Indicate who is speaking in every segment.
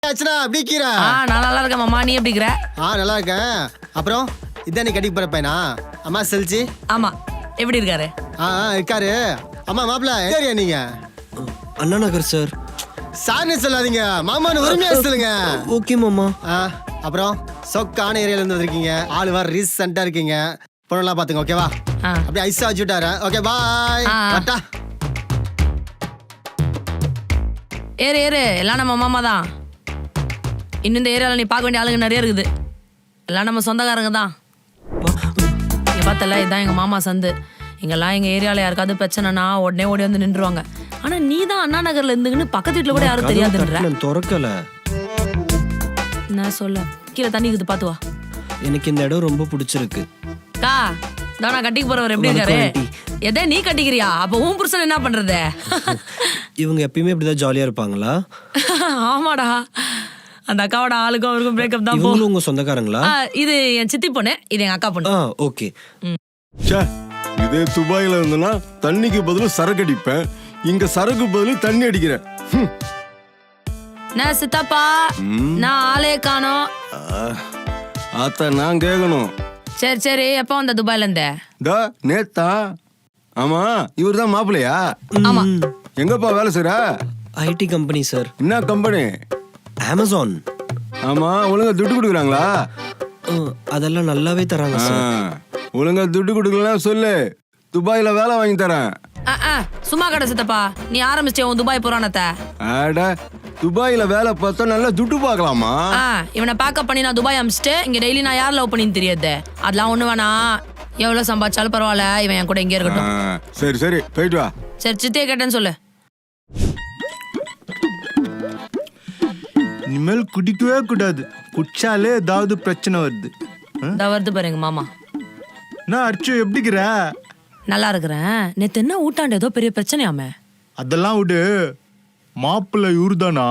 Speaker 1: ஆச்சுடா எப்படி கீரை?
Speaker 2: நான் நல்லா இருக்கேன் மாமா, நீ எப்படி இருக்கிற?
Speaker 1: நல்லா இருக்கேன். அப்புறம் இதான் நீ கட்டிக்கு போற பையனா? அம்மா செல்சி.
Speaker 2: ஆமா, எப்படி இருக்காரு?
Speaker 1: இருக்காரு. அம்மா மாப்பிள்ள ஏரியா நீங்க?
Speaker 3: அண்ணா நகர் சார்.
Speaker 1: சார்னு சொல்லாதீங்க, மாமான்னு உரிமையா சொல்லுங்க.
Speaker 3: ஓகே மாமா.
Speaker 1: அப்புறம் சொக்கான ஏரியால இருந்து வந்திருக்கீங்க, ஆளு வர ரீசெண்டா இருக்கீங்க. பொண்ணெல்லாம் பாத்துங்க, ஓகேவா? அப்படியே ஐஸா வச்சுட்டாரு. Okay bye. வட்டா
Speaker 2: ஏறு எல்லாம் நம்ம மாமா தான். இன்னும் இந்த ஏரியாவில் நீ பார்க்க வேண்டிய ஆளுங்க நிறைய இருக்குது. எல்லாம் நம்ம சொந்தக்காரங்க தான். இங்கே பார்த்தல, இதுதான் எங்கள் மாமா சந்து. இங்கெல்லாம் எங்கள் ஏரியாவில் யாருக்காவது பிரச்சனைனா உடனே ஓடி வந்து நின்றுவாங்க. ஆனால் நீ தான் அண்ணா நகரில் இருந்துக்குன்னு பக்கத்து வீட்டில் கூட யாரும் தெரியாதுன்ற.
Speaker 3: திறக்கல.
Speaker 2: நான் சொல்ல கீழே தண்ணி இருக்குது, பார்த்து வா.
Speaker 3: எனக்கு இந்த இடம் ரொம்ப பிடிச்சிருக்கு.
Speaker 2: கா தானா கட்டிக்கு போறவர் எப்படி இருக்காரு? எதே நீ கட்டிக்கிறியா? அப்போ உன் புருஷன் என்ன பண்றது?
Speaker 3: இவங்க எப்பயுமே இப்படிதான் ஜாலியா இருப்பாங்களா?
Speaker 2: ஆமாடா, அந்த அக்காவோட ஆளுக்கும் அவருக்கும் பிரேக்கப் தான்.
Speaker 3: இவங்களும் உங்க சொந்தக்காரங்களா?
Speaker 2: இது என் சித்தி பொண்ணு, இது எங்க அக்கா பொண்ணு.
Speaker 3: ஓகே.
Speaker 4: இதே துபாயில இருந்தனா தண்ணிக்கு பதிலா சரக்கு அடிப்பேன், இங்க சரக்கு பதிலா தண்ணி அடிக்கிறேன்.
Speaker 2: நான் சித்தப்பா, நான் ஆளே காணோம்.
Speaker 4: ஆத்தா நான் கேட்கணும்.
Speaker 2: சரி எப்போ வந்த துபாயில இருந்த?
Speaker 4: நேத்தா. ஆமா, இவர் தான் மாப்பிள்ளையா?
Speaker 2: ஆமா.
Speaker 4: எங்கப்பா வேலை செய்ற?
Speaker 3: IT company sir.
Speaker 4: என்ன கம்பெனி?
Speaker 3: அமேசான்.
Speaker 4: ஆமா, ஒழுங்கா துட்டு கொடுக்குறாங்களா?
Speaker 3: அதெல்லாம் நல்லாவே தராங்க சார்.
Speaker 4: ஒழுங்கா துட்டு கொடுக்கலாம் சொல்லு, துபாயில வேலை வாங்கி தரேன்.
Speaker 2: சும்மா கடை சித்தப்பா, நீ ஆரம்பிச்சே உன் துபாய் புராணத்தை.
Speaker 4: அட, துபாயில வேலை பார்த்தா நல்லா துட்டு பார்க்கலாமா?
Speaker 2: இவனை பேக்கப் பண்ணி நான் துபாய் அமிச்சிட்டு இங்க டெய்லி நான் யார் லவ் பண்ணின்னு தெரியாது. அதெல்லாம் ஒண்ணு வேணாம், எவ்வளவு சம்பாதிச்சாலும் பரவாயில்ல, இவன் என் கூட இங்கே இருக்கட்டும்.
Speaker 4: சரி போயிட்டு வா.
Speaker 2: சரி, சித்தியை கேட்டேன்னு சொல்லு.
Speaker 5: இனிமேல் குடிக்கவே கூடாது, குடிச்சாலே ஏதாவது பிரச்சனை வருது.
Speaker 2: வருது பாருங்க மாமா.
Speaker 5: நான் அர்ச்சு எப்படிக்கிற?
Speaker 2: நல்லா இருக்கிறேன். நேத்து என்ன ஊட்டாண்டு ஏதோ பெரிய பிரச்சனையாமே?
Speaker 5: அதெல்லாம் விடு, மாப்பிள்ளை இவருதானா?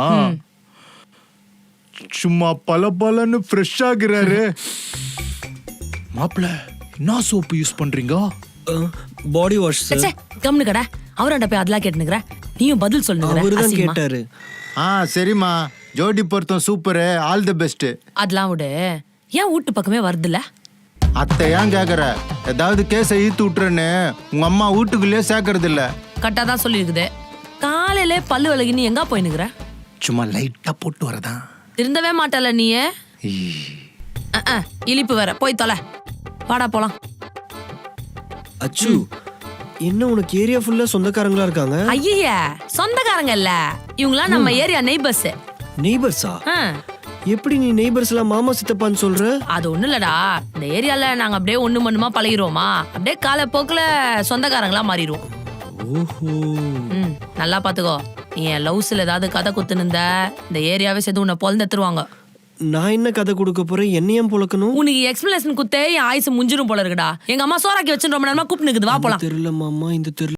Speaker 5: சும்மா பலன்னு ஃப்ரெஷ் ஆகிறாரு. மாப்பிள்ளை என்ன சோப்பு யூஸ் பண்றீங்க?
Speaker 3: Body wash sir.
Speaker 2: கம்னு கடை, அவராண்ட போய் அதெல்லாம் கேட்டுனுக்குற, நீயும் பதில் சொல்லுங்க.
Speaker 3: அவர்தான் கேட்டாரு.
Speaker 5: சரிம்மா, ஜோடி பொருத்தம் சூப்பரு, ஆல் தி பெஸ்ட்.
Speaker 2: அதெல்லாம் விடு, ஏன் வீட்டு பக்கமே வருதுல்ல?
Speaker 5: அத்தை ஏன் கேக்குற? ஏதாவது கேஸை ஈத்து விட்டுறேன்னு உங்க அம்மா வீட்டுக்குள்ளே சேர்க்கறது இல்ல.
Speaker 2: கரெக்டா தான் சொல்லியிருக்குது. காலையில பல்லு விலகி நீ எங்க போயினுக்குற?
Speaker 5: சும்மா லைட்டா போட்டு வரதான்.
Speaker 2: திருந்தவே மாட்டல நீயே. இழிப்பு வேற, போய் தொலை. வாடா போலாம்.
Speaker 3: அச்சு, என்ன உனக்கு ஏரியா ஃபுல்லா சொந்தக்காரங்களா இருக்காங்க?
Speaker 2: ஐயா, சொந்தக்காரங்க இல்ல, இவங்களாம் நம்ம ஏரியா நெய்பர்ஸ்.
Speaker 3: நெய்பர்ஸா? எப்படி நீ நெய்பர்ஸ் எல்லாம் மாமா சித்தப்பான்னு சொல்ற?
Speaker 2: அது ஒண்ணு இல்லடா, இந்த ஏரியால நாங்க அப்படியே ஒண்ணு மண்ணுமா பழகிருவோமா, அப்படியே காலப்போக்குல சொந்தக்காரங்களா மாறிடுவோம்.
Speaker 3: ஓஹோ.
Speaker 2: நல்லா பாத்துக்கோ, நீ என் லவ்ஸ்ல ஏதாவது கதை குத்துனுந்த இந்த ஏரியாவே சேர்த்து உன்னை பொழந்துருவாங்க.
Speaker 3: நான் என்ன கதை கொடுக்க போறேன்? என்னையும் பொழக்கணும்?
Speaker 2: உனக்கு எக்ஸ்பிளேஷன் குத்தே என் ஆயுசு முஞ்சிரும் போல இருக்குடா. எங்க அம்மா சோறாக்கி வச்சுட்டு ரொம்ப நேரமா கூப்பிட்டு நிக்குது, வா போலாம்.
Speaker 3: தெரியல மாமா, இந்த தெரியல.